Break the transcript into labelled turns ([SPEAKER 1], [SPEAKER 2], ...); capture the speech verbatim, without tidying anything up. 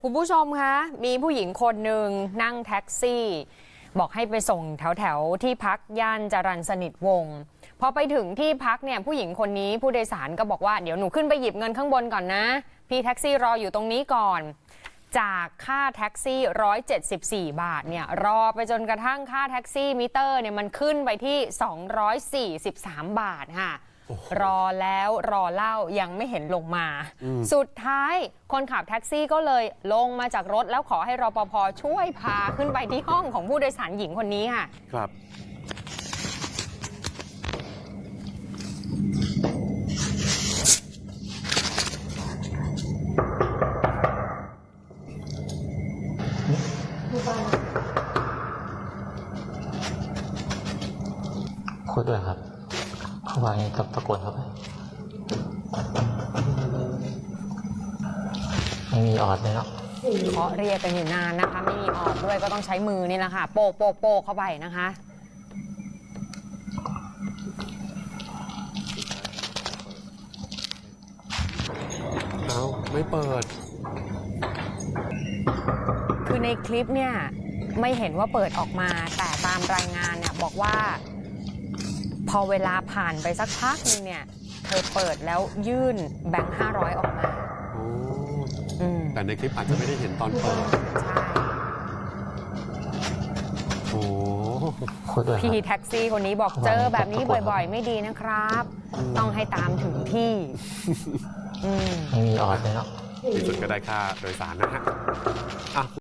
[SPEAKER 1] คุณผู้ชมคะมีผู้หญิงคนหนึ่งนั่งแท็กซี่ บอกให้ไปส่งแถวแถวที่พักย่านจรัญสนิทวงศ์พอไปถึงที่พักเนี่ยผู้หญิงคนนี้ผู้โดยสารก็บอกว่าเดี๋ยวหนูขึ้นไปหยิบเงินข้างบนก่อนนะพี่แท็กซี่รออยู่ตรงนี้ก่อนจากค่าแท็กซี่หนึ่งร้อยเจ็ดสิบสี่บาทเนี่ยรอไปจนกระทั่งค่าแท็กซี่มิเตอร์เนี่ยมันขึ้นไปที่สองร้อยสี่สิบสามบาทค่ะรอแล้วรอเล่ายังไม่เห็นลงมาสุดท้ายคนขับแท็กซี่ก็เลยลงมาจากรถแล้วขอให้รปภ.ช่วยพาขึ้นไปที่ห้องของผู้โดยสารหญิงคนนี้ค่ะ
[SPEAKER 2] ครับ
[SPEAKER 3] คุยด้วยครับเขาว่าไงกับตะโกนครับไม่มีออดเลยเนาะ
[SPEAKER 1] เคาะเรียกกันอยู่นานนะคะไม่มีออดด้วยก็ต้องใช้มือนี่แหละค่ะโปกโปกโปกเข้าไปนะคะ
[SPEAKER 2] เอาไม่เปิด
[SPEAKER 1] คือในคลิปเนี่ยไม่เห็นว่าเปิดออกมาแต่ตามรายงานเนี่ยบอกว่าพอเวลาผ่านไปสักพักนึงเนี่ยเธอเปิดแล้วยื่นแบงค์ห้าร้อยออกมา
[SPEAKER 2] แต่ในคลิปอาจจะไม่ได้เห็นตอนเปิด
[SPEAKER 1] ใช่
[SPEAKER 2] โอ้
[SPEAKER 1] พี่แท็กซี่คนนี้บอกเจอแบบนี้บ่อยๆไม่ดีนะครับต้องให้ตามถึงที่
[SPEAKER 3] ไม่มีออดเลยเนาะ
[SPEAKER 2] ที่สุดก็ได้ค่าโดยสารนะฮะ